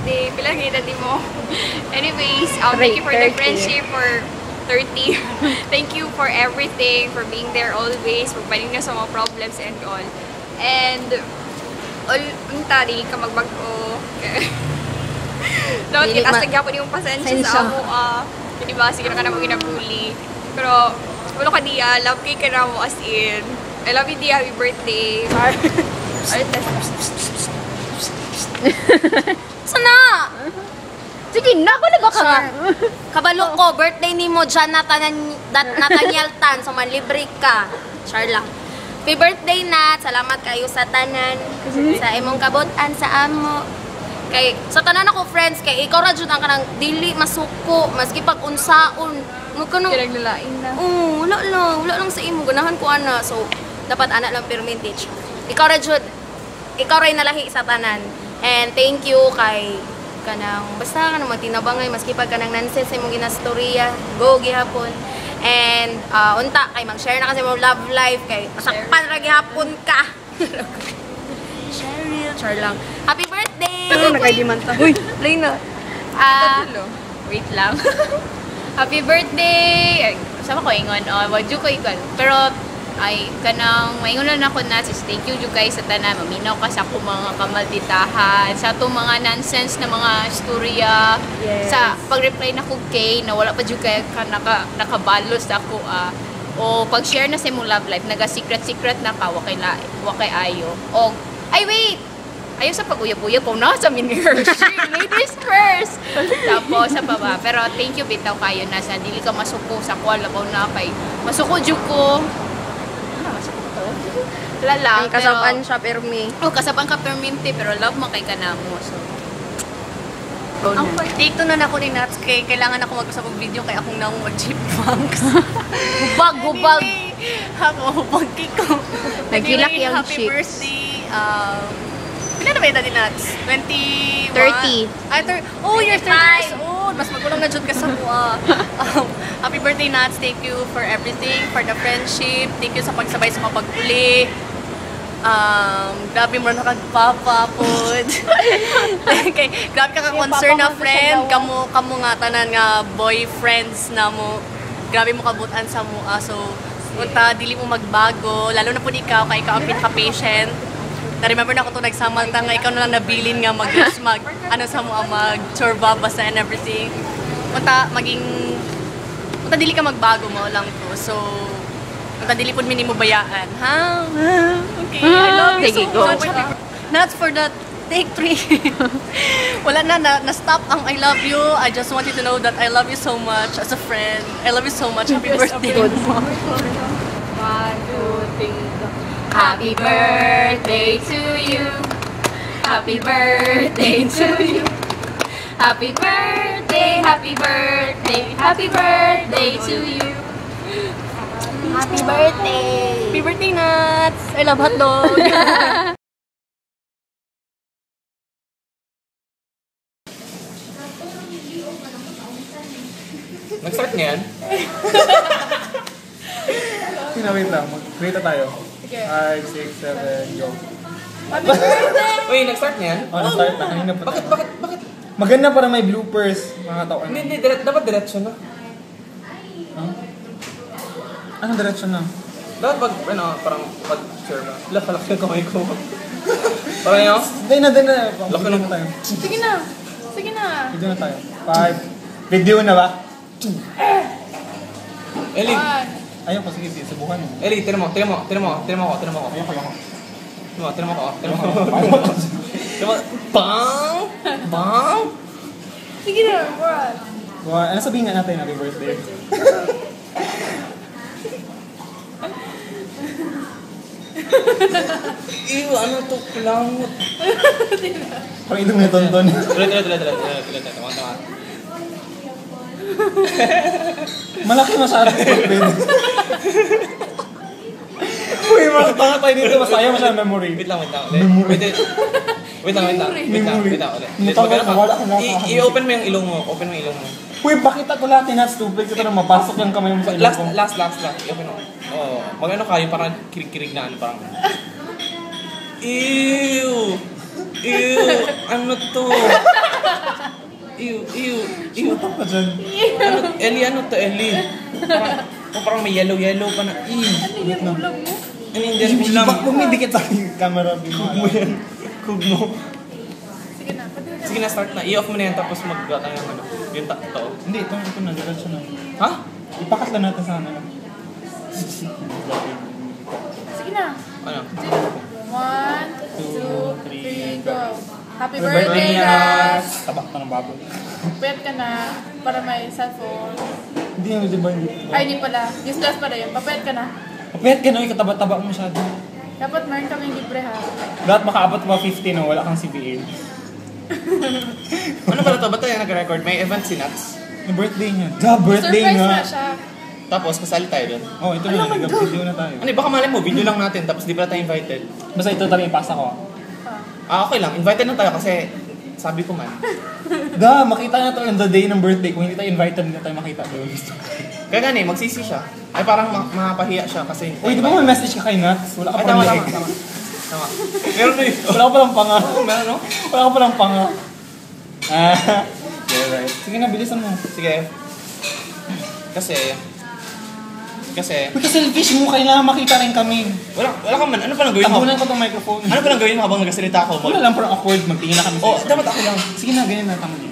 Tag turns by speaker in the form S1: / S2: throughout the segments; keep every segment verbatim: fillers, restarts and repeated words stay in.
S1: birthday. Pila kita di mo. Anyways, um, thank you for the friendship for thirty. Thank you for everything, for being there always, for fighting na sa mga problems and all. And, all, unta, di ka magbago. Dapat kita sa gyapon yung pasensya sa amo. Uh, diba, sige na ka na mo ginabuli. Pero, wala ka diya, love kay ka na mo as in. I love you, Dia. Happy birthday.
S2: Sana!
S3: Sige na, kulaga ka nga.
S2: Kabalo ko, birthday ni mo dyan Nathaniel Tan, so manlibre ka. Char lang. Happy birthday na, salamat kayo sa tanan, sa imong kabutan, sa amo. Kay, sa tanan ako friends, kay ikaw ra jud ang kanang dili masuko, maski pag unsaon. Mo kanang
S1: Kinaglalain na.
S2: Oo, wala lang, wala lang sa imo, ganahan ko ana. So, dapat anak lang percentage. Ikaw ra jud, ikaw ra nalahi sa tanan. And thank you kay kanang basta kanang matinabangay maski pag kanang nonsense sa imong ginastorya, go gihapon. And uh, unta kay mag-share na kasi mo love life kay masakpan ra gihapon ka. Cheryl, char lang. Happy birthday.
S1: Ano nakaidiman ta?
S2: Uy, play na. Ah,
S1: wait lang. Happy birthday! Ay, sama ko ingon, oh, wadyo ko ikon. Pero, ay, kanang, maingon lang ako na, sis, thank you you guys sa tanan. Maminaw ka sa akong mga kamalditahan, sa itong mga nonsense na mga istorya.
S3: Yes.
S1: Sa pag-reply na ko kay, na wala pa dyo kayo ka naka, nakabalos ako, ah. O pag-share na sa imong love life, naga-secret-secret na ka, wakay, la, wakay ayo. O, ay wait! Ayaw sa pag-uyab-uyab ko na sa mini-Hershey. Ladies first! Tapos sa baba. Pero thank you bitaw kayo na sa dili ka masuko sa kuwala ko na kay masuko dyo ko. Ano masuko ko? Wala lang.
S2: ang kasaban siya permi.
S1: Oh, kasaban ka perminti pero love mo kay kanamo. So,
S4: Ang take to na na ko ni Nats kay kailangan ako mag-usap og video kay akong nang mag-chipmunks.
S2: Hubag, hubag.
S4: Anyway, ako hubag ko.
S3: Nagilak
S4: Anyway,
S3: yung
S4: happy
S3: chips.
S4: birthday. Um, Pila na ba yung Nats? twenty-one?
S3: thirty.
S4: Ay, thir oh, you're thirty years old. Mas magulang na dyan ka sa mua. Um, happy birthday, Nats. Thank you for everything, for the friendship. Thank you sa pagsabay sa mga pagpuli. Um, grabe mo na kagpapapod. Okay, grabe ka ka-concern na friend. Kamu, kamu nga tanan nga boyfriends na mo. Grabe mo kabutan sa mua. So, punta, dili mo magbago. Lalo na po ikaw, kay ikaw ang pinaka-patient. Na-remember na ako ito nagsamanta nga, ikaw na lang nabilin nga mag, mag ano sa mo, mag chorba basta and everything. Punta, maging, punta dili ka magbago mo lang to. So, punta dili po minimo bayaan. Ha? Okay, I love you so much. Not for that, take three. Wala na, na, na-stop ang I love you. I just want you to know that I love you so much as a friend. I love you so much. Happy birthday.
S1: one, two, three, go. Happy birthday to you. Happy birthday to you. Happy birthday, happy birthday, happy birthday to you.
S2: Happy birthday.
S4: Happy birthday, Nats. I love hotdog.
S5: Nag-start niya yan?
S6: Wait lang, mag-wait tayo. five, six, seven, go.
S5: Uy, nag-start niya yan?
S6: Oh, na-start na. Kanina pa.
S5: Bakit, bakit, bakit?
S6: Maganda para may bloopers, mga tao.
S5: Hindi, hindi, dire- dapat diretso na.
S6: Huh? Anong direction na?
S5: Dapat pag, ano, parang pag-share na. Laki-laki yung kamay ko. Parang yun?
S6: Hindi na, hindi na.
S5: Laki lang
S6: tayo.
S4: Sige na. Sige na.
S6: Video na tayo. five. Video na ba?
S5: Eli,
S6: Ayun ko, sige, sige, subukan mo.
S5: Eli, tira mo, tira mo, tira mo, tira mo ako, tira mo ako.
S6: Ayun ko, ayun ko.
S5: Tira mo, tira mo ako, tira mo ako. Tira mo, bang! Bang!
S4: Sige na, Brad.
S6: Well, ano sabihin nga natin, happy birthday?
S5: Ew, ano to, kulangot.
S6: Parang ito may tonton.
S5: Tuloy, tuloy, tuloy, tuloy, tuloy, tuloy, tuloy, tama, tama.
S6: Malaki masyado yung birthday. Uy, makatanga tayo dito. Masaya mo siya memory.
S5: Wait lang, wait lang. Wait, wait, wait. Wait lang, wait lang. Wait lang, wait lang. ulit. Ulit,
S6: Mutang
S5: magkano
S6: na,
S5: ka?
S6: wala kang
S5: I-
S6: nakakahanap.
S5: I-open mo yung ilong mo. Open mo yung ilong mo.
S6: Uy, bakit ako lahat na stupid ko na mapasok yung kamay mo sa ilong
S5: Last,
S6: ko?
S5: last, last, last. I-open mo. Oo. Mag-ano kayo, parang kirig-kirig na ano, parang... Ew! Ew, ano to? Ew, ew, ew.
S6: Ano pa dyan?
S5: Ano, Ellie, ano to, Ellie? Parang, oh, parang may yellow-yellow pa na. Ew.
S6: Wait lang.
S5: Ano yung din ulam?
S6: Ba't pumidikit sa aking camera? Kug mo yan. Kug mo.
S5: Sige na, start na. I-off mo na yan tapos mag-got tayo ng ano. Yung ta- to.
S6: Hindi, ito, ito na. Diretso na.
S5: Ha?
S6: Ipakat lang natin sa ano.
S3: Sige na.
S5: Ano?
S3: One, two, three, go. Happy
S6: Happy
S3: birthday,
S6: birthday,
S3: Nats!
S6: Tabak pa ng baboy.
S3: Pwede ka na para may cellphone.
S6: Hindi yan, di ba? Hindi.
S3: Ay, hindi pala. Useless pala yun. Papayat ka na.
S6: Kapit ka no, ikataba-taba mo masyado.
S3: Dapat meron kaming libre ha.
S6: Lahat makaabot pa fifty no, wala kang C B A.
S5: Ano pala to? Ba't tayo nag-record? May event si Nats.
S6: Yung birthday niya. Da, birthday
S3: Surprise
S6: nga.
S3: na siya.
S5: Tapos, kasali tayo doon.
S6: Oh, ito na, nag-video na tayo.
S5: Ano, baka malay mo, video lang natin tapos di pala tayo invited.
S6: Basta ito tabi ipasa ko.
S5: Ah, okay lang. Invited na tayo kasi sabi ko man.
S6: Da, makita na to on the day ng birthday. Kung hindi tayo invited, hindi tayo makita doon.
S5: Kaya gani, magsisi siya. Ay, parang ma- mapahiya siya kasi...
S6: Uy, di ba may message ka kay Nats? Wala ka
S5: Ay,
S6: pa
S5: tama,
S6: rin
S5: tama,
S6: like.
S5: tama. Tama. Meron na yun.
S6: Wala ka palang panga.
S5: Oo, meron, no?
S6: Wala ka palang panga. Ah, yeah, right. Sige na, bilisan mo.
S5: Sige. Kasi... Kasi...
S6: Uy, ka-selfish mo, kailangan makita rin kami.
S5: Wala, wala ka man. Ano pa lang gawin mo?
S6: Tabunan ko tong microphone.
S5: Ano pa lang gawin mo habang nagsasalita ako?
S6: Wala lang, parang awkward. Magtingin na kami sa
S5: Oh,
S6: isa.
S5: dapat ako lang.
S6: Sige na, ganyan na, tama din.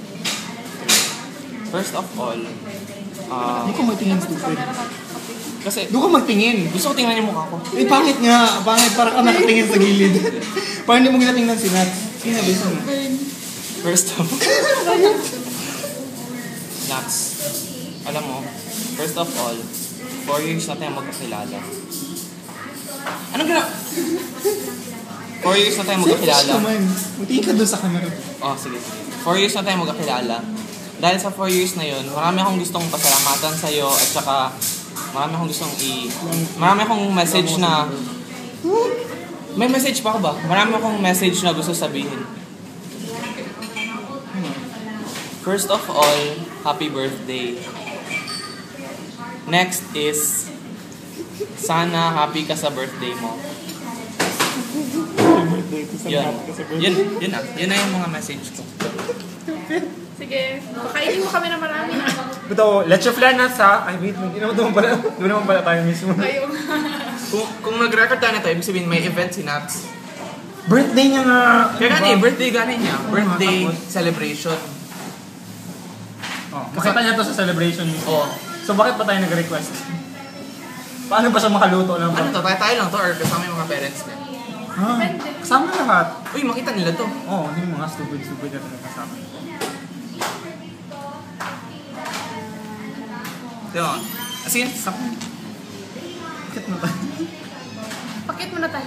S5: First of all, ah...
S6: Hindi ko magtingin, stupid.
S5: kasi...
S6: Doon ka magtingin.
S5: Gusto ko tingnan yung mukha ko.
S6: Eh, pangit nga. Pangit, parang ka nakatingin sa gilid. Parang hindi mo ginatingnan si Nats. Sige na, bilisan mo.
S5: First of Nats. Alam mo, first of all, four years na tayo magkakilala. Anong gina... Four years na tayo
S6: Selfish
S5: magkakilala.
S6: naman. Magtingin ka doon sa camera.
S5: Oh, sige. Four years na tayo magkakilala. Dahil sa four years na yun, marami akong gustong pasalamatan sa'yo at saka marami akong gustong i... Marami akong message na... May message pa ako ba? Marami akong message na gusto sabihin. First of all, happy birthday. Next is, sana happy ka sa birthday mo. Yun. Yun, yun na. Yun na yung mga message ko.
S3: Sige. Pakainin mo kami na marami na.
S6: Ito, let's your flan Nats ha. Ay, wait. Hindi naman doon pala. Doon naman pala tayo mismo.
S3: Kayo.
S5: Kung, kung nag-record tayo na ito, ibig sabihin may event si Nats.
S6: Birthday niya nga.
S5: Kaya gani, birthday gani niya. Birthday
S6: Tapos?
S5: celebration.
S6: Oh, makita niya to sa celebration mismo.
S5: Oh,
S6: So, bakit pa tayo nag-request? Paano ba siya makaluto lang
S5: ano
S6: ba?
S5: to? Tayo, tayo lang to or kasama yung mga parents niya?
S6: Ah, kasama lahat.
S5: Uy, makita nila to.
S6: Oo, oh, hindi mga stupid-stupid na talaga kasama.
S5: Diba? As in,
S6: Sakit mo tayo.
S3: Pakit mo na tayo.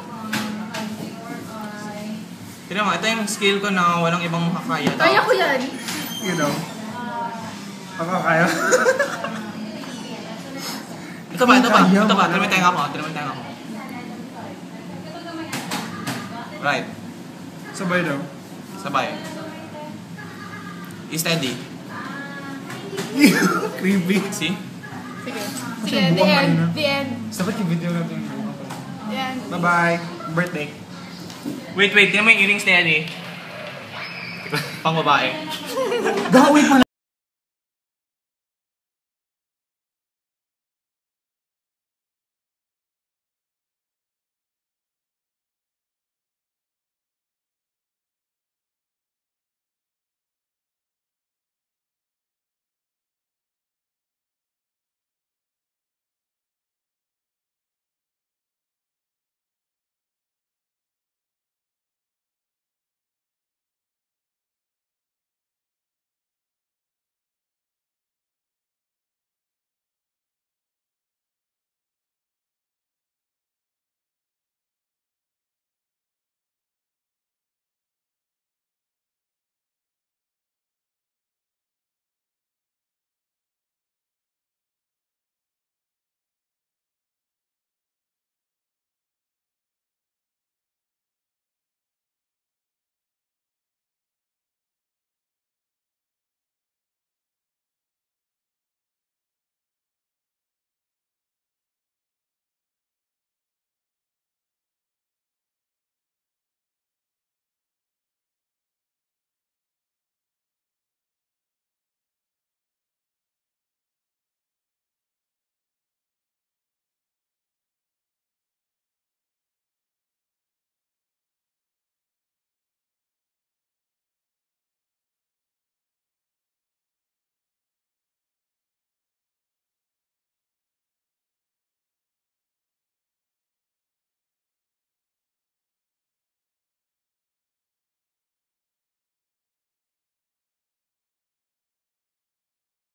S5: Tignan mo, ito yung skill ko na walang ibang makakaya.
S3: Kaya ko yan.
S6: You know. Ako kaya.
S5: Ito ba, ito ba,
S6: Kaya
S5: ito ba,
S6: mo.
S5: tinamitay ako, tinamitay ako. Right,
S6: Sabay daw.
S5: sabay. Steady.
S6: Creepy.
S5: See?
S3: Sige.
S6: Kasi
S3: Sige, the
S6: buwang
S3: end.
S6: kanina.
S3: The end.
S6: Dapat yung video natin.
S3: The end.
S6: Bye-bye. Birthday.
S5: Wait, wait, tingnan mo yung earrings ni Eddie. Pang babae.
S6: Gawin pa